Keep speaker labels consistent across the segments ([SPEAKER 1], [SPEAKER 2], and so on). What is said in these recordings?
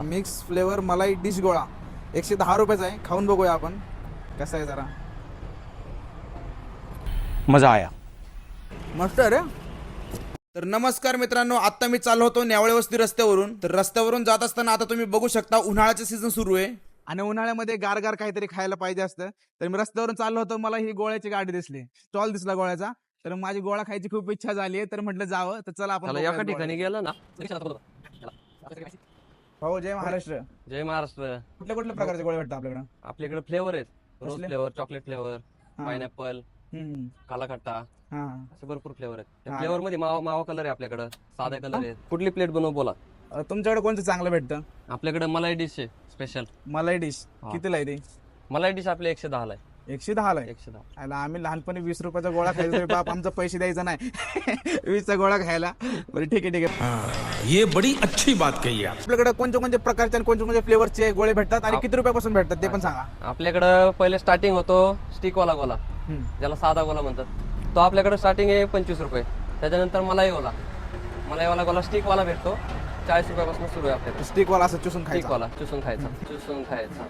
[SPEAKER 1] Mix flavour मलाई dish गोळा 110 रुपयाचा आहे. खाऊन बघूया आपण कसा आहे जरा.
[SPEAKER 2] मजा आया.
[SPEAKER 1] मस्त आहे रे. तर नमस्कार मित्रांनो, आता मी चाललो होतो न्यावळे वस्ती रस्त्यावरून. तर रस्त्यावरून जात असताना आता तुम्ही बघू शकता उन्हाळ्याचं सीझन सुरू आहे आणि उन्हाळ्यामध्ये गारगार काहीतरी खायला पाहिजे असतं. तर मी रस्त्यावरून चाललो होतो, मला ही गोळ्याची गाडी दिसली, स्टॉल दिसला गोळ्याचा. तर माझी गोळा खायची खूप इच्छा झाली आहे, तर म्हटलं जावं. तर चला आपण
[SPEAKER 3] एका ठिकाणी गेलं ना.
[SPEAKER 1] हो. जय महाराष्ट्र.
[SPEAKER 3] जय महाराष्ट्र.
[SPEAKER 1] कुठल्या कुठल्या प्रकारचे गोळे भेटतात आपल्याकडे?
[SPEAKER 3] आपल्याकडे फ्लेवर आहेत. रोज
[SPEAKER 1] कसले?
[SPEAKER 3] फ्लेवर, चॉकलेट फ्लेवर,
[SPEAKER 1] हा.
[SPEAKER 3] पायनॅपल, काला खट्टा,
[SPEAKER 1] हा.
[SPEAKER 3] असे भरपूर फ्लेवर आहेत.
[SPEAKER 1] हा.
[SPEAKER 3] त्या फ्लेवर मध्ये मावा मावा कलर आहे आपल्याकडे, साधा कलर आहे. कुठली प्लेट बनवू बोला.
[SPEAKER 1] तुमच्याकडे कोणतं चांगलं भेटतं?
[SPEAKER 3] आपल्याकडे मलाई डिश आहे स्पेशल.
[SPEAKER 1] मलाई डिश
[SPEAKER 3] हा.
[SPEAKER 1] कितीला आहे ती?
[SPEAKER 3] मलाई डिश आपल्या 110 ला आहे.
[SPEAKER 1] 110 ला आहे.
[SPEAKER 3] 110.
[SPEAKER 1] आला आम्ही लहानपणी 20 रुपयाचा गोळा खायचो तरी बाप आमचा पैसे द्यायचा नाही 20चा गोळा खायला. बरं ठीक आहे ठीक आहे.
[SPEAKER 2] ये बड़ी अच्छी बात कही आप.
[SPEAKER 1] आपल्याकडे कोणत्या कोणत्या प्रकारचे आणि कोणत्या कोणत्या फ्लेवरचे गोळे भेटतात आणि किती रुपयापासून भेटतात ते पण सांगा.
[SPEAKER 3] आपल्याकडे पहिले स्टार्टिंग होतो स्टिक वाला गोला, ज्याला साधा गोला म्हणतात. तो आपल्याकडे स्टार्टिंग आहे 25 रुपये. त्याच्यानंतर मलाई वाला गोला स्टिक वाला भेटतो 40 रुपयापासून सुरू आहे आपल्याकडे.
[SPEAKER 1] स्टिक वाला असं चुसून
[SPEAKER 3] स्टिक
[SPEAKER 1] खायचा.
[SPEAKER 3] वाला चुसून खायचा.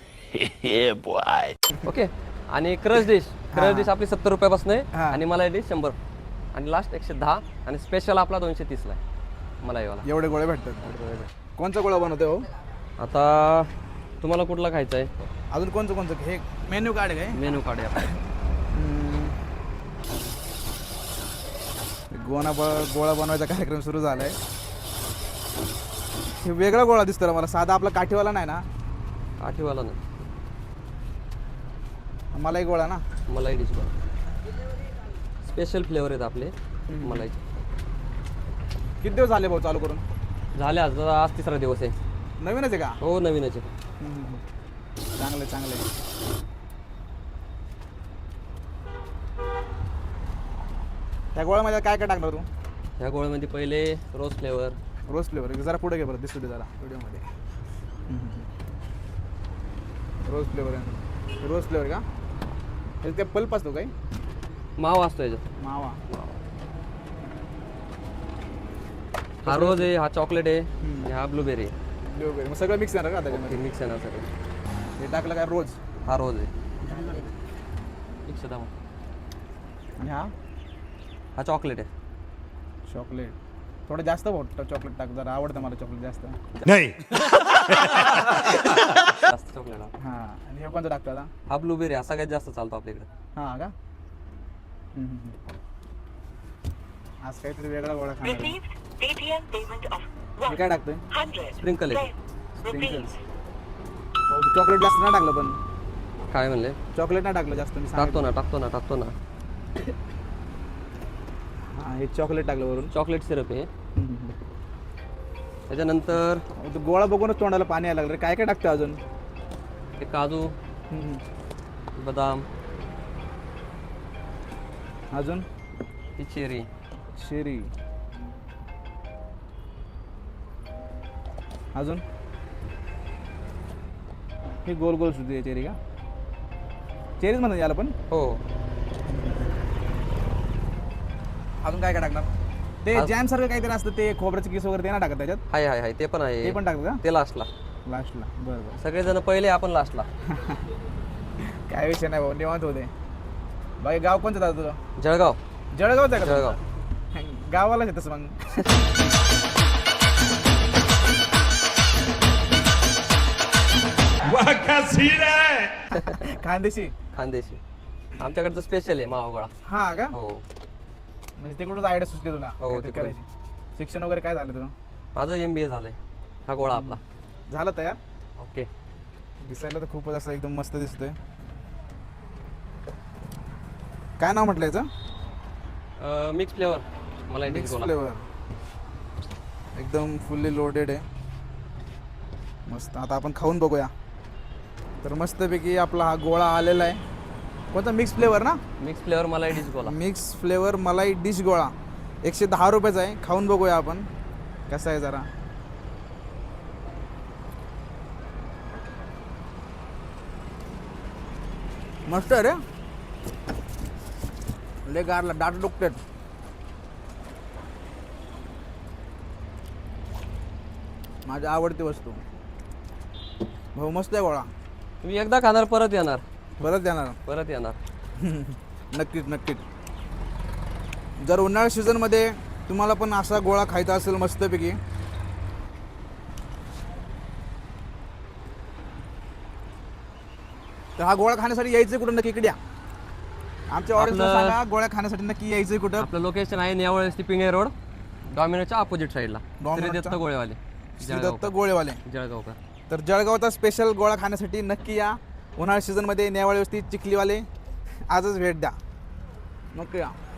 [SPEAKER 3] ओके. आणि क्रश डिश आपली 70 रुपयापासून आहे
[SPEAKER 1] हा.
[SPEAKER 3] आणि मलाई डिश 100 आणि लास्ट 110 आणि स्पेशल आपला 230 ला आहे मलाईवाला.
[SPEAKER 1] एवढे गोळे भेटतात. कोणचा गोळा बनवतोय हो?
[SPEAKER 3] आता तुम्हाला कुठला खायचा आहे?
[SPEAKER 1] अजून कोणचं कोणचं हे मेन्यू कार्ड आहे काय?
[SPEAKER 3] मेनू कार्ड आहे आपल्याकडे.
[SPEAKER 1] गोळा बनवायचा कार्यक्रम सुरू झालाय. हे वेगळा गोळा दिसतो रे मला, साधा आपला काठीवाला नाही ना?
[SPEAKER 3] काठीवाला ना,
[SPEAKER 1] मलाई गोळा ना?
[SPEAKER 3] मलाई डिश स्पेशल फ्लेवर आहेत आपले मलाईचे.
[SPEAKER 1] किती दिवस झाले भाऊ चालू करून?
[SPEAKER 3] झाले आज 3रा दिवस आहे.
[SPEAKER 1] नवीनच आहे का?
[SPEAKER 3] हो नवीनच आहे.
[SPEAKER 1] चांगलं चांगलं. त्या गोळ्यामध्ये काय काय टाकणार तू?
[SPEAKER 3] ह्या गोळ्यामध्ये पहिले रोज फ्लेवर.
[SPEAKER 1] रोज फ्लेवर जरा पुढे घे बरं, दिसू दे जरा व्हिडिओमध्ये. रोज फ्लेवर आहे. रोज फ्लेवर का? ते पल्प असतो काय?
[SPEAKER 3] मावा असतो याच्यात.
[SPEAKER 1] मावा.
[SPEAKER 3] हा रोज आहे, हा चॉकलेट आहे आणि हा ब्लूबेरी आहे.
[SPEAKER 1] ब्लूबेरी मग सगळं मिक्स आहे का त्याच्यामध्ये?
[SPEAKER 3] मिक्स आहे ना सगळं.
[SPEAKER 1] हे टाकलं काय रोज?
[SPEAKER 3] हा रोज आहे 110.
[SPEAKER 1] आणि
[SPEAKER 3] हा चॉकलेट आहे.
[SPEAKER 1] चॉकलेट थोडं जास्त भाऊ चॉकलेट टाक, जरा आवडतं मला चॉकलेट जास्त.
[SPEAKER 2] नहीं.
[SPEAKER 3] जास्त चॉकलेट.
[SPEAKER 1] हां. आणि हे कोणतं टाकतं आता?
[SPEAKER 3] हा ब्लूबेरी हा सगळ्यात जास्त चालतो आपल्याकडे.
[SPEAKER 1] हां का? आज काहीतरी वेगळा गोळा खाणार आहे. हे काय टाकतोय?
[SPEAKER 3] स्प्रिंकल आहे.
[SPEAKER 1] चॉकलेट जास्त नाही टाकलं पण.
[SPEAKER 3] काय म्हणले?
[SPEAKER 1] चॉकलेट नाही टाकलं जास्त मी
[SPEAKER 3] टाकतो
[SPEAKER 1] सांगितलं.
[SPEAKER 3] ना.
[SPEAKER 1] हां हे चॉकलेट टाकलं वरून.
[SPEAKER 3] चॉकलेट सिरप आहे. त्याच्यानंतर
[SPEAKER 1] तो गोळा बघूनच तोंडाला पाणी यायला लागलं रे. काय काय टाकतं अजून?
[SPEAKER 3] हे काजू, बदाम,
[SPEAKER 1] अजून
[SPEAKER 3] ही चेरी,
[SPEAKER 1] शेरी, अजून हे गोल गोल सुद्धा चेरी का? चेरीच म्हणतात याला पण.
[SPEAKER 3] हो.
[SPEAKER 1] अजून काय काय टाकणार? ते जॅम सारखं काहीतरी असतं ते खोबऱ्याचं किस वगैरे ते ना टाकत त्याच्यात?
[SPEAKER 3] हाय ते पण आहे.
[SPEAKER 1] ते पण टाकतं का?
[SPEAKER 3] ते लास्टला.
[SPEAKER 1] लास्टला. बरं बरं.
[SPEAKER 3] सगळेजण पहिले, आपण लास्टला.
[SPEAKER 1] काय विषय नाही भाऊ, निवांत होते. बाकी गाव कोणतं दादा तुझं?
[SPEAKER 3] जळगाव.
[SPEAKER 1] जळगावच आहे का?
[SPEAKER 3] जळगाव.
[SPEAKER 1] गावालाच आहे तसं मग.
[SPEAKER 2] वाह क्या सीन है.
[SPEAKER 1] खानदेशी.
[SPEAKER 3] खानदेशी. आमच्याकडचं स्पेशल आहे मावा गोळा.
[SPEAKER 1] हा का?
[SPEAKER 3] हो.
[SPEAKER 1] म्हणजे तिकडूनच आयडिया सुचली तुला
[SPEAKER 3] हो,
[SPEAKER 1] काहीतरी
[SPEAKER 3] तिकडून.
[SPEAKER 1] करायची. शिक्षण वगैरे काय झालं तुझं?
[SPEAKER 3] माझं MBA झालंय. हा गोळा आपला.
[SPEAKER 1] झालं तयार?
[SPEAKER 3] ओके.
[SPEAKER 1] दिसायला तर खूपच असं एकदम मस्त दिसतोय. काय नाव म्हटलं याचं?
[SPEAKER 3] मिक्स फ्लेवर मलाई डिश
[SPEAKER 1] मिक्स
[SPEAKER 3] गोळा.
[SPEAKER 1] फ्लेवर. एकदम फुल्ली लोडेड आहे. मस्त. आता आपण खाऊन बघूया. तर मस्तपैकी आपला हा गोळा आलेला आहे. कोणता? मिक्स फ्लेवर ना?
[SPEAKER 3] मिक्स फ्लेवर मलाई डिश गोळा.
[SPEAKER 1] मिक्स फ्लेवर मलाई डिश गोळा 110 रुपयाचा आहे. खाऊन बघूया आपण कसा आहे जरा. मस्त आहे रे. ले गारला डाट डुकटेत. माझी आवडती वस्तू. भाऊ मस्त आहे गोळा.
[SPEAKER 3] तुम्ही एकदा खाणार परत येणार.
[SPEAKER 1] परत येणार. नक्कीच नक्कीच. जर उन्हाळ्या सीझनमध्ये तुम्हाला पण असा गोळा खायचा असेल मस्तपैकी, तर हा गोळा खाण्यासाठी यायचं कुठं नक्की इकडे या. आमच्या ऑडियन्सला
[SPEAKER 3] आपलं-
[SPEAKER 1] सांगा गोळ्या खाण्यासाठी नक्की यायचं कुठं.
[SPEAKER 3] आपलं लोकेशन आहे नेवळ पिंगे रोड, डॉमिनोच्या अपोजिट साईडला.
[SPEAKER 1] डॉमिनोच्या-
[SPEAKER 3] श्री दत्त गोळेवाले,
[SPEAKER 1] श्री दत्त गोळेवाले.
[SPEAKER 3] जळगावकर.
[SPEAKER 1] तर जळगावचा स्पेशल गोळा खाण्यासाठी नक्की या. उन्हाळ्या सीझनमध्ये नेवाळी वस्ती चिखलीवाले आजच भेट द्या. नक्की या.